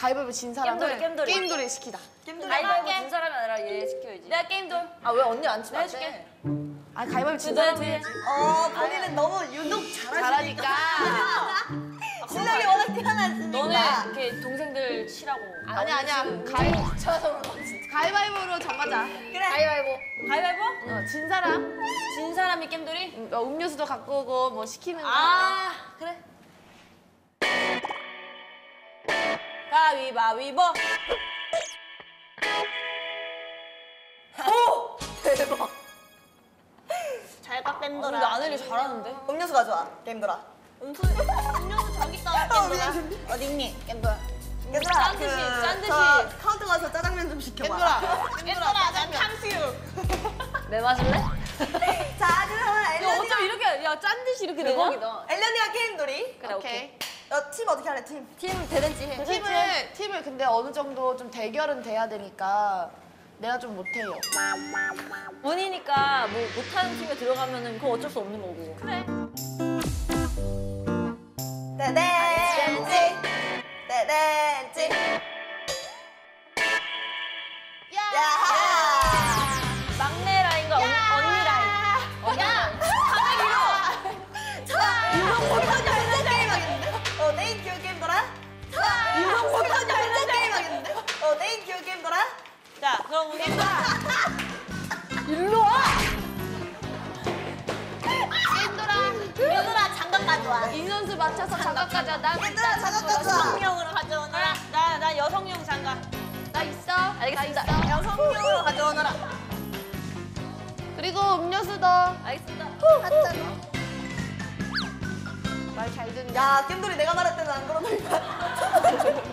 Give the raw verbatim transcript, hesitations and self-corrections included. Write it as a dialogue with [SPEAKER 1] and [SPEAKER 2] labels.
[SPEAKER 1] 가위바위보 진 사람을
[SPEAKER 2] 게임돌이, 게임돌이.
[SPEAKER 1] 게임돌이 시키다.
[SPEAKER 2] 게임돌이 가위바위보 진 사람이 아니라 얘 시켜야지. 내가 게임돌.
[SPEAKER 3] 아 왜 언니 안 치면 안
[SPEAKER 2] 해줄게.
[SPEAKER 3] 돼?
[SPEAKER 1] 아 가위바위보 진
[SPEAKER 2] 너네
[SPEAKER 1] 사람이
[SPEAKER 2] 뒤에.
[SPEAKER 1] 해야지.
[SPEAKER 3] 어 본인은 너무 유독
[SPEAKER 1] 잘하니까.
[SPEAKER 3] 실력이 워낙 뛰어났으니까.
[SPEAKER 2] 너네 이렇게 동생들 치라고.
[SPEAKER 1] 아니야 아니야. 가위 가위바위보로 정하자.
[SPEAKER 3] 그래.
[SPEAKER 2] 가위바위보. 가위바위보?
[SPEAKER 1] 어, 진 사람
[SPEAKER 2] 진 사람이 게임돌이?
[SPEAKER 1] 음, 어, 음료수도 갖고 오고 뭐 시키는 거.
[SPEAKER 2] 아 그래. 가위바위보.
[SPEAKER 3] 오 대박.
[SPEAKER 2] 잘가 게임돌아. 우리 아내리 잘하는데?
[SPEAKER 3] 음료수 가져와 게임돌아.
[SPEAKER 2] 음수, 음료수 저기 있다.
[SPEAKER 3] 어 미안.
[SPEAKER 2] 어디 있니? 게임돌아.
[SPEAKER 3] 얘들아
[SPEAKER 2] 짠 듯이, 짠 듯이.
[SPEAKER 3] 저 카운터 가서 짜장면 좀 시켜봐.
[SPEAKER 1] 겐돌아.
[SPEAKER 2] 게임돌아 난 탕수육. 내 마실래?
[SPEAKER 3] 자 그러면
[SPEAKER 2] 야
[SPEAKER 3] 엘련이가
[SPEAKER 2] 어쩜 이렇게 야짠 듯이 이렇게 되냐?
[SPEAKER 3] 엘련이가 게임돌이.
[SPEAKER 2] 그래 오케이.
[SPEAKER 3] 어, 팀 어떻게 할래 팀?
[SPEAKER 2] 팀 대댄지 해.
[SPEAKER 1] 팀을 팀을 근데 어느 정도 좀 대결은 돼야 되니까 내가 좀 못해요.
[SPEAKER 2] 운이니까 뭐 못하는 팀에 들어가면은 그거 어쩔 수 없는 거고. 그래.
[SPEAKER 3] 대댄지 대댄지. 야하.
[SPEAKER 2] 막내 라인과 언, 언니 라인. 언니 라인.
[SPEAKER 3] 유성보기까지 혼자 게임하겠는데? 어 네인 기어 게임돌아? 유성보기까지 혼자 게임하겠는데? 어 네인 기어 게임돌아?
[SPEAKER 2] 자 그럼 우리
[SPEAKER 1] 일로 와.
[SPEAKER 2] 얘들아 장갑 가져와.
[SPEAKER 1] 인원수 맞춰서 장갑 가져. 나
[SPEAKER 3] 얘들아 장갑 가져와.
[SPEAKER 2] 여성용으로 가져오너라. 나, 나 여성용 장갑.
[SPEAKER 1] 나 있어.
[SPEAKER 2] 알겠습니다.
[SPEAKER 1] 나 있어.
[SPEAKER 2] 여성용으로 가져오너라.
[SPEAKER 1] 그리고 음료수도
[SPEAKER 2] 알겠습니다.
[SPEAKER 1] 말 잘 듣냐.
[SPEAKER 3] 야 게임돌이 내가 말할 때는 안 그러더니만.